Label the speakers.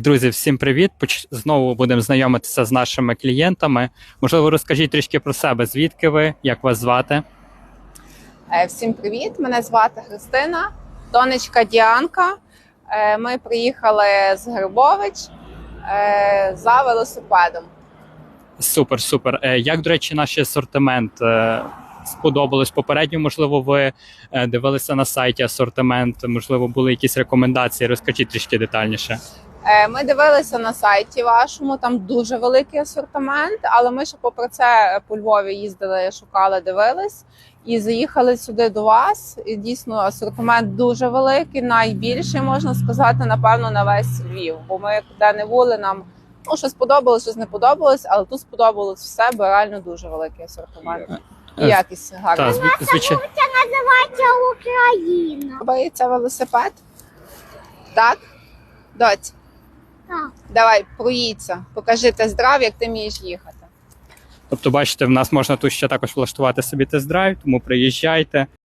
Speaker 1: Друзі, всім привіт! Знову будемо знайомитися з нашими клієнтами. Можливо, розкажіть трішки про себе. Звідки ви? Як вас звати?
Speaker 2: Всім привіт! Мене звати Христина, донечка Діанка. Ми приїхали з Грибович за велосипедом.
Speaker 1: Супер, супер. Як, до речі, наш асортимент сподобалось? Попередньо, можливо, ви дивилися на сайті асортимент, можливо, були якісь рекомендації. Розкажіть трішки детальніше.
Speaker 2: Ми дивилися на сайті вашому, там дуже великий асортимент, але ми ще попри це по Львові їздили, шукали, дивились і заїхали сюди до вас. І дійсно асортимент дуже великий, найбільший, можна сказати, напевно, на весь Львів. Бо ми де не були, нам щось сподобалось, щось не подобалось, але тут сподобалось все, бо реально дуже великий асортимент. І якість гарна.
Speaker 1: Звичайно.
Speaker 3: Називається Україна.
Speaker 2: Подобається велосипед? Так? Доць?
Speaker 3: Так.
Speaker 2: Давай, проїдься, покажи тест-драйв, як ти вмієш їхати.
Speaker 1: Тобто, бачите, в нас можна тут ще також влаштувати собі тест-драйв, тому приїжджайте.